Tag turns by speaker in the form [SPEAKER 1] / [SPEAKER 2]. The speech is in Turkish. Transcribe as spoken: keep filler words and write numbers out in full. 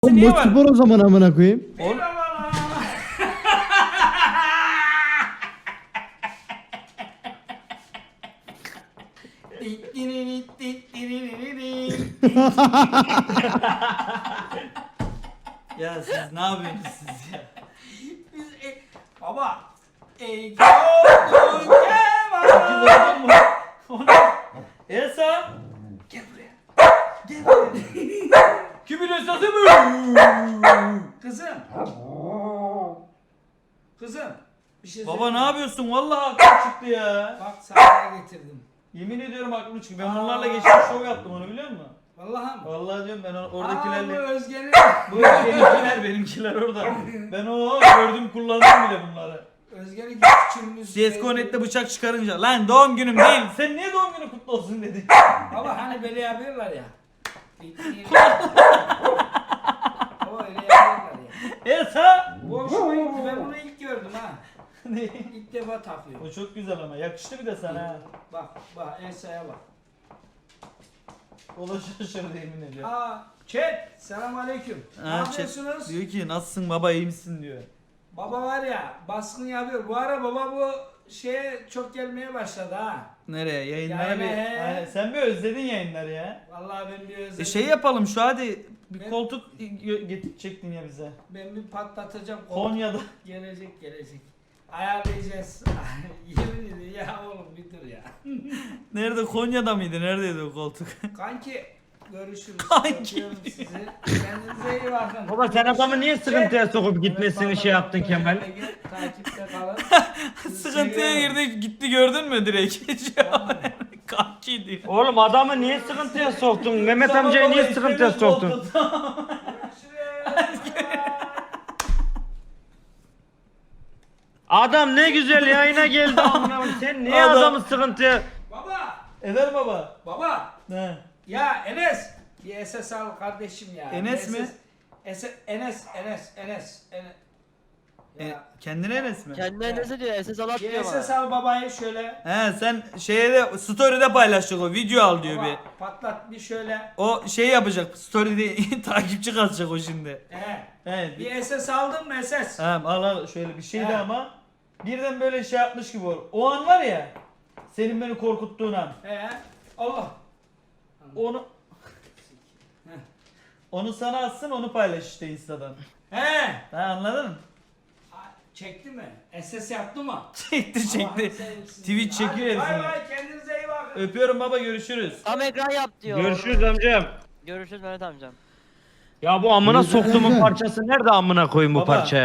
[SPEAKER 1] Oğlum
[SPEAKER 2] Niye
[SPEAKER 1] bu
[SPEAKER 2] var?
[SPEAKER 1] spor o zaman amına koyayım.
[SPEAKER 2] Oğlum. Ya siz ne yapıyorsunuz siz ya?
[SPEAKER 3] Biz e, baba ey gördün kemal.
[SPEAKER 2] Kim mu? Elsa.
[SPEAKER 3] Gel buraya. Gel buraya.
[SPEAKER 2] Kimin Elsa'sı mı?
[SPEAKER 3] Kızım. Kızım. Bir şey
[SPEAKER 2] Baba
[SPEAKER 3] söyleyeyim
[SPEAKER 2] ne
[SPEAKER 3] mi?
[SPEAKER 2] yapıyorsun? Vallahi aklım çıktı ya.
[SPEAKER 3] Bak sana getirdim.
[SPEAKER 2] Yemin ediyorum aklım çıktı. Ben
[SPEAKER 3] Aa.
[SPEAKER 2] bunlarla geçmiş şov yaptım onu biliyor musun?
[SPEAKER 3] Vallahi mı?
[SPEAKER 2] Vallahi diyorum ben
[SPEAKER 3] Aa, bu
[SPEAKER 2] oradakilerle.
[SPEAKER 3] Özge'nin.
[SPEAKER 2] Bu benimkiler benimkiler orada. Ben o gördüm kullandım bile bunları.
[SPEAKER 3] Özge'nin küçüğümüz.
[SPEAKER 2] C S G O Net'te bıçak çıkarınca lan doğum günüm değil. Sen niye doğum günü kutlu olsun dedi.
[SPEAKER 3] Baba hani böyle yapıyorlar ya. Baba öyle yapıyorlar ya.
[SPEAKER 2] Elsa.
[SPEAKER 3] Bu hoşuma gitti. Ben bunu ilk gördüm ha.
[SPEAKER 2] Ne?
[SPEAKER 3] İlk defa takıyorum.
[SPEAKER 2] O çok güzel ama yakıştı bir de sana ha.
[SPEAKER 3] Bak bak Elsa'ya bak.
[SPEAKER 2] O da şaşırdı yemin ediyorum.
[SPEAKER 3] Aa, chat. Selam aleyküm. Ne
[SPEAKER 2] Ha,
[SPEAKER 3] yapıyorsunuz?
[SPEAKER 2] Diyor ki nasılsın baba iyi misin diyor.
[SPEAKER 3] Baba var ya baskın yapıyor. Bu ara baba bu şeye çok gelmeye başladı ha.
[SPEAKER 2] Nereye yayınlara
[SPEAKER 3] Yayına,
[SPEAKER 2] bir.
[SPEAKER 3] he.
[SPEAKER 2] Aynen, sen bir özledin yayınları ya.
[SPEAKER 3] Vallahi ben bir özledim.
[SPEAKER 2] E şey yapalım şu hadi bir
[SPEAKER 3] Ben-
[SPEAKER 2] koltuk gö- getirecektin ya bize.
[SPEAKER 3] Ben bir patlatacağım.
[SPEAKER 2] Konya'da.
[SPEAKER 3] Gelecek gelecek. Ayarlayacağız. Yemin ederim ya oğlum bir dur ya.
[SPEAKER 2] Nerede Konya'da mıydı? Neredeydi o koltuk?
[SPEAKER 3] Kanki görüşürüz.
[SPEAKER 2] Kanki
[SPEAKER 3] Öpüyorum sizi. Kendinize iyi bakın.
[SPEAKER 4] Baba sen adamı niye sıkıntıya sokup
[SPEAKER 3] Evet,
[SPEAKER 4] gitmesini
[SPEAKER 3] baba,
[SPEAKER 4] şey yaptın Kemal?
[SPEAKER 3] Takipte kalın. Sizi
[SPEAKER 2] Sıkıntıya
[SPEAKER 3] seviyorum.
[SPEAKER 2] girdi gitti gördün mü direkt? Kanki diyor.
[SPEAKER 4] Oğlum adamı niye sıkıntıya soktun? Mehmet amcayı niye sıkıntıya soktun? Adam ne güzel yayına geldi amına koyayım. Sen niye
[SPEAKER 2] Adam-
[SPEAKER 4] adamı sıkıntıya...
[SPEAKER 3] Baba,
[SPEAKER 2] Eder baba.
[SPEAKER 3] baba.
[SPEAKER 2] Ne?
[SPEAKER 3] Ya Enes. Bir S S al kardeşim ya.
[SPEAKER 2] Enes
[SPEAKER 3] Bir
[SPEAKER 2] mi?
[SPEAKER 3] S S Enes, Enes, Enes, Enes.
[SPEAKER 2] E,
[SPEAKER 3] Ya.
[SPEAKER 2] kendine Enes mi?
[SPEAKER 5] Kendine ne diyor? S S alat
[SPEAKER 3] Bir
[SPEAKER 5] diyor
[SPEAKER 3] S S
[SPEAKER 5] bana.
[SPEAKER 3] al babayı şöyle.
[SPEAKER 2] He sen şeye de story'de paylaşacak o video al diyor
[SPEAKER 3] Baba,
[SPEAKER 2] bir.
[SPEAKER 3] patlat bir şöyle.
[SPEAKER 2] O şey yapacak story'de takipçi kazacak o şimdi.
[SPEAKER 3] He.
[SPEAKER 2] Evet.
[SPEAKER 3] Bir S S aldın mı S S?
[SPEAKER 2] Tamam al al şöyle bir şeydi
[SPEAKER 3] He.
[SPEAKER 2] ama birden böyle şey yapmış gibi olur. O an var ya senin beni korkuttuğun an.
[SPEAKER 3] He. Allah.
[SPEAKER 2] Onu
[SPEAKER 3] Heh.
[SPEAKER 2] onu sana atsın onu paylaş işte Insta'dan.
[SPEAKER 3] He.
[SPEAKER 2] Ha anladın mı?
[SPEAKER 3] Çekti mi? S S yaptı mı?
[SPEAKER 2] Çekti çekti.
[SPEAKER 3] Allah'ını seveyim sizi.
[SPEAKER 2] Twitch çekiyor
[SPEAKER 3] Hadi,
[SPEAKER 2] herifini.
[SPEAKER 3] Bay bay kendinize iyi bakın.
[SPEAKER 2] Öpüyorum baba görüşürüz.
[SPEAKER 5] Tam ekran yap diyor.
[SPEAKER 4] Görüşürüz amcam.
[SPEAKER 5] Görüşürüz Mehmet amcam.
[SPEAKER 4] Ya bu amına
[SPEAKER 1] Görüşürüz
[SPEAKER 4] soktuğumun
[SPEAKER 1] amca.
[SPEAKER 4] parçası nerede amına koyayım bu
[SPEAKER 2] Baba.
[SPEAKER 4] parçaya?